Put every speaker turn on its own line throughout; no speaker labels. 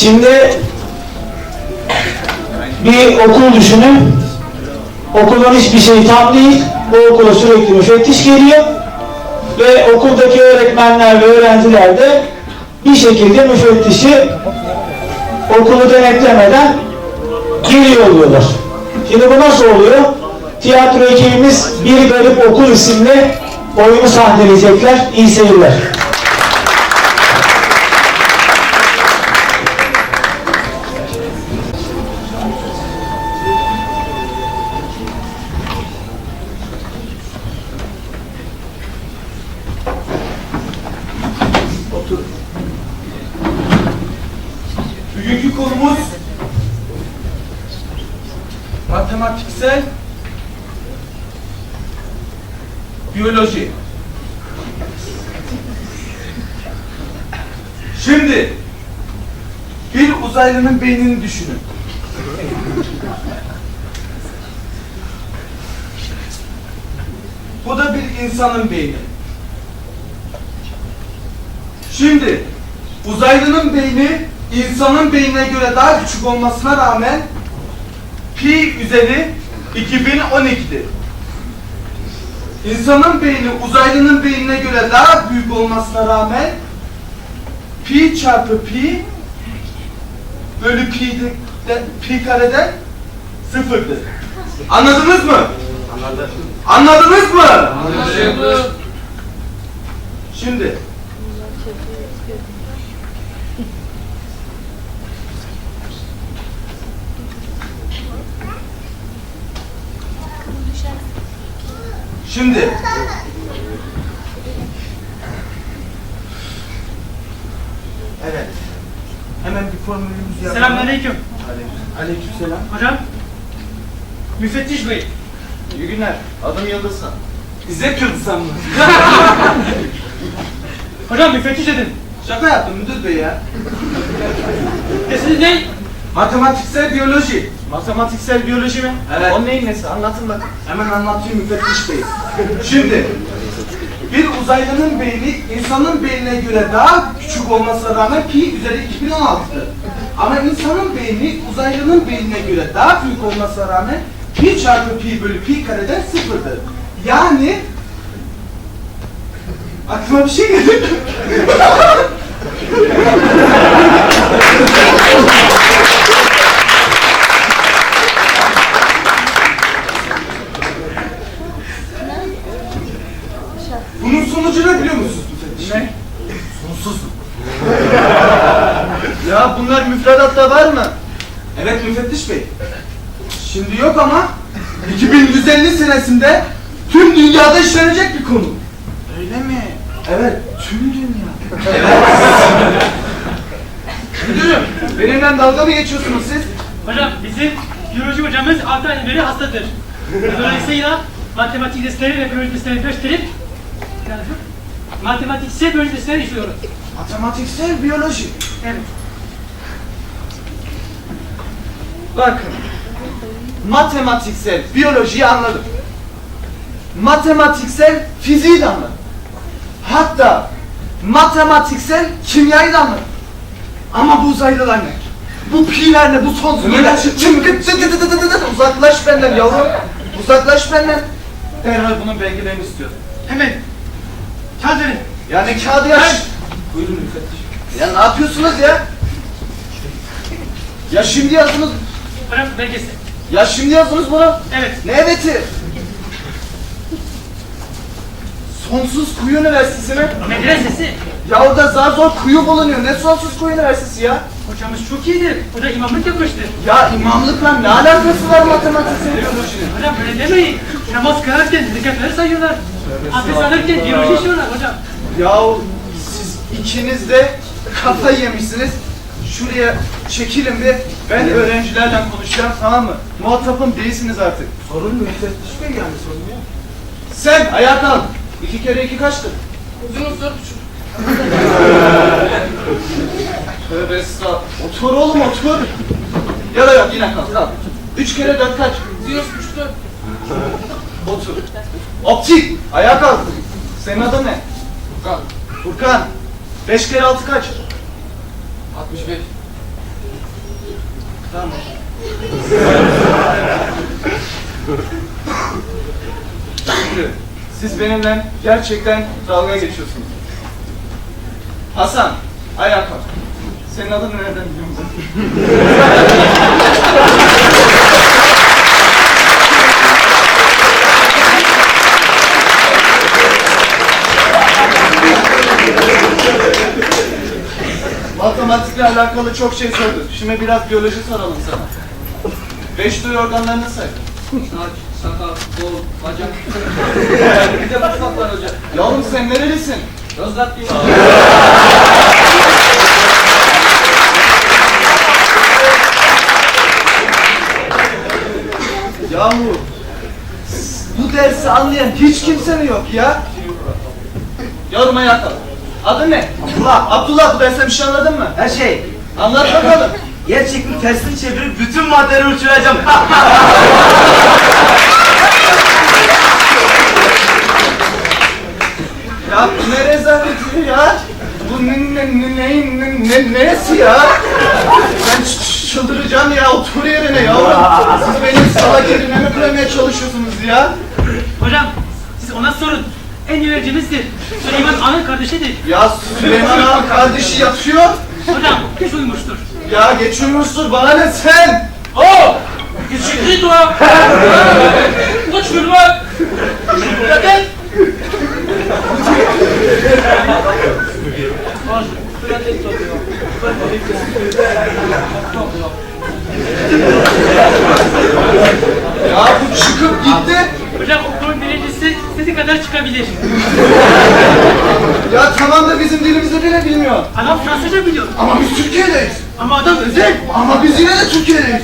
Şimdi bir okul düşünün. Okulun hiçbir şey tam değil. Bu okula sürekli müfettiş geliyor. Ve okuldaki öğretmenler ve öğrenciler de bir şekilde müfettişi okulu denetlemeden geri yolluyorlar. Şimdi bu nasıl oluyor? Tiyatro ekibimiz Bir Garip Okul isimli oyunu sahneleyecekler. İyi seyirler.
Bugünkü konumuz matematiksel biyoloji. Şimdi bir uzaylının beynini düşünün. Bu da bir insanın beyni. Şimdi uzaylının beyni insanın beynine göre daha küçük olmasına rağmen pi üzeri 2012'dir. İnsanın beyni uzaylının beynine göre daha büyük olmasına rağmen pi çarpı pi bölü pi kareden sıfırdır. Anladınız mı? Anladım. Anladınız mı? Anladım. Şimdi evet. Hemen bir formülümüzü yapalım.
Selamünaleyküm.
Aleykümselam.
Hocam, müfettiş bey.
İyi günler. Adım Yıldızhan. İzzet Yıldızhan mı?
Hocam müfettiş dedim.
Şaka yaptım müdür bey ya.
Desiniz ne?
Matematiksel biyoloji.
Matematiksel biyoloji mi?
Evet.
O neyin nesi? Anlatın bakın.
Hemen anlatayım müfettiş bey. Şimdi bir uzaylının beyni insanın beynine göre daha küçük olmasına rağmen pi üzeri 2016'dır. Ama insanın beyni uzaylının beynine göre daha büyük olmasına rağmen pi çarpı pi bölü pi kareden sıfırdır. Yani aklıma bir şey geldi. Bunun sonucu ne biliyor musunuz müfettiş?
Ne?
Sonsuz.
Ya bunlar müfredatta var mı?
Evet müfettiş bey. Şimdi yok ama 2150 senesinde tüm dünyada işlenecek bir konu.
Öyle mi?
Evet.
Tüm dünya.
Müdürüm, benimle dalga mı geçiyorsunuz siz?
Hocam bizim biyoloji hocamız 6 aydan beri hastadır. Dolayısıyla matematik dersleri ve biyoloji derslerini gösterip matematiksel biyoloji dersleri işliyoruz.
Matematiksel biyoloji.
Evet.
Bakın. Matematiksel biyolojiyi anladım. Matematiksel fiziği de anladım. Hatta matematiksel kimyayı da anladım. Ama bu uzaylılar ne? Bu pi'ler ne? Bu sonsuzlar. Uzaklaş benden yavrum. Uzaklaş benden. Derhal bunun belgelerini istiyorum.
Hemen. Kağıt verin.
Yani kağıdı yaş.
Buyurun müfettiş.
Ya ne yapıyorsunuz ya? Ya şimdi yazdınız.
Hocam belgesi.
Ya şimdi yazdınız bunu.
Evet.
Ne eveti? Sonsuz Kuyu Üniversitesi mi?
Medresesi.
Ya orada zar zor kuyu bulunuyor. Ne Sonsuz Kuyu Üniversitesi ya?
Hocamız çok iyidir. O da imamlık yapmıştır.
Ya imamlıkla ne alakası var matematiksel biyolojinin?
Hocam öyle demeyin. Namaz kılarken zekatları sayıyorlar. Abdest alırken biyoloji işliyorlar hocam.
Ya siz ikiniz de kafayı yemişsiniz. Şuraya çekilin bir. Ben öğrencilerle konuşacağım, tamam mı? Muhatapım değilsiniz artık.
Sorun müfettiş bey yani sorun yok.
Sen ayağa kalk. 2 kere 2 kaçtır?
Uzunuz 4,5.
Tövbe estağfurullah. Otur oğlum otur. Ya da yok yine kalk kalk. 3 kere 4 kaç?
Uzunuz 3,5.
Otur. Optik. Ayağa kalk. Senin adın ne?
Furkan.
Furkan. 5 kere 6 kaç?
65.
Tamam. Siz benimle gerçekten dalga geçiyorsunuz. Hasan, ayağa kalk. Senin adın nereden biliyor musun? Matematikle alakalı çok şey sorduk. Şimdi biraz biyoloji soralım sana. 5 duyu organlarını say.
Saç, sakal, kol, bacak. Bir de mutfak var hocam.
Yavrum sen nerelisin?
Yozgatlıyım.
Yahu bu dersi anlayan hiç kimse mi yok ya? Yavrum ayağa kalk. Adın ne? Abdullah. Abdullah, bu dersten bir şey anladın mı?
Her şey.
Anlat bakalım.
Yer çekimi tersini çevirip bütün maddeleri uçuracağım.
Ya bu ne rezaleti ya? Bu nesi ya? Ben çıldıracağım ya, otur yerine yavrum. Siz benim salak yerine mi koymaya çalışıyorsunuz ya?
Hocam siz ona sorun. En iyi öğrencimizdir. Süleyman Ağa'nın kardeşidir.
Ya Süleyman Ağa'nın kardeşi yatıyor.
Hocam geç uyumuştur.
Ya geçiyormuşsun, bana ne sen?
Oh! Geçikli dua! Kaç gün var? Zaten!
Ya bu çıkıp gitti.
Hocam okulun birincisi sizi kadar çıkabilir.
Ya tamam da bizim dilimizi bile bilmiyor.
Adam Fransızca biliyor.
Ama biz Türkiye'deyiz.
Ama adam özel.
Ama biz yine de Türkiye'deyiz.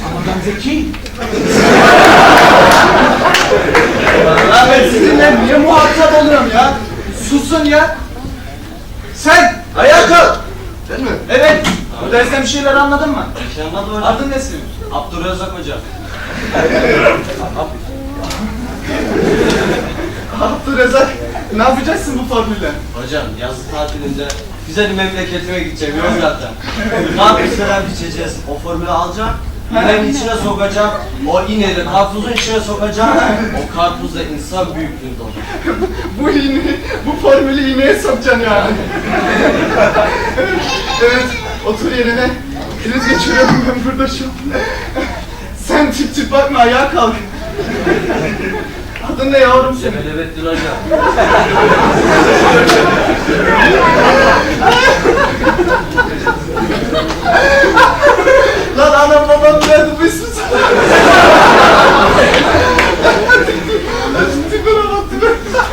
Ya ben sizinle niye muhatap oluyorum ya? Susun ya. Sen ayağa kalk.
Ben mi?
Evet. Bu dersten bir şeyler anladın mı?
Şey anladım hocam.
Adın ne senin?
Abdurrezzak hocam.
Abdurrezzak. Ne yapacaksın bu formülle?
Hocam yazı tatilinde güzel bir memleketime gideceğim Yozgat'ta. Karpuz falan biçeceğiz. O formülü alacağım. İğnenin içine sokacağım. O iğneyi karpuzun içine sokacağım. O karpuz da insan büyüklüğünde olur.
Bu iğneyi, bu formülü iğneye sokacaksın yani. Evet, otur yerine. Kriz geçiriyorum ben burada şu an. Sen tip tip bakma, ayağa kalk. Adın ne yavrum senin?
Melevettin hocam.
Lan anam babam nerede bu ismi sana? Tipine bak tipine.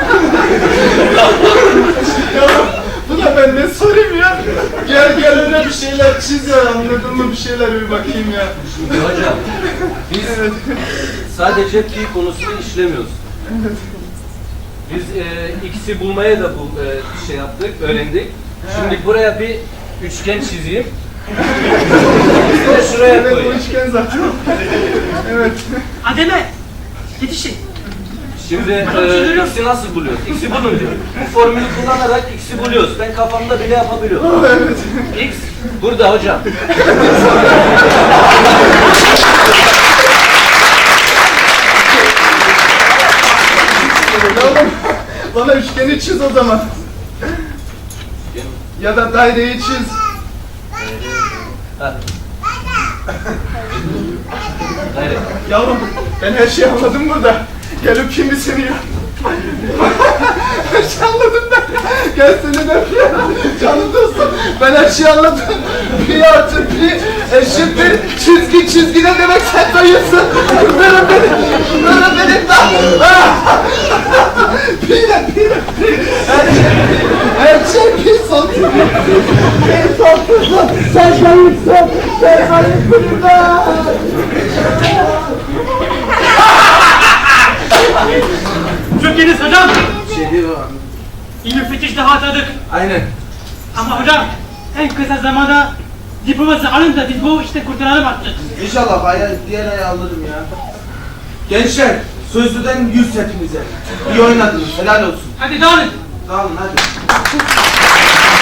Yavrum, buna ben ne sorayım ya? Gel öyle bir şeyler çiz ya, anladın mı? Bir şeyler bir bakayım ya.
Hocam, biz sadece pi konusunu işlemiyoruz. Biz x'i bulmaya da bu şey yaptık, öğrendik. Şimdi buraya bir üçgen çizeyim. Bir de şuraya
Evet, bu
koyayım.
üçgen zaten. Evet.
Ademe! Yetişin.
Şimdi x'i nasıl buluyoruz? X'i bulun diyor. Bu formülü kullanarak x'i buluyoruz. Ben kafamda bile yapabiliyorum.
Evet.
X burada hocam.
Yavrum, bana üçgeni çiz o zaman. Ya da daireyi çiz.
Ha. Hayır.
Yavrum, ben her şeyi anladım burada. Gel öpeyim bir seni ya. Her şeyi anladım ben. Gel seni de öpeyim. Canım dostum, ben her şeyi anladım. Pi artı pi eşittir çizgi ne demek sen dayısın. Bunların benim lan. Pi. Her şey pi son. Pi son. Sen dayısın. Sen dayısın lan.
Çok iyiyiz hocam.
Şey değil o.
İyi müfettiş daha atadık.
Aynen.
Ama hocam en kısa zamanda diploması alın da biz bu işte kurtulalım artık.
İnşallah diğer ayı alırım ya. Gençler, sözlüden 100 hepinize. İyi oynadınız, helal olsun.
Hadi dağılın.
Tamam hadi.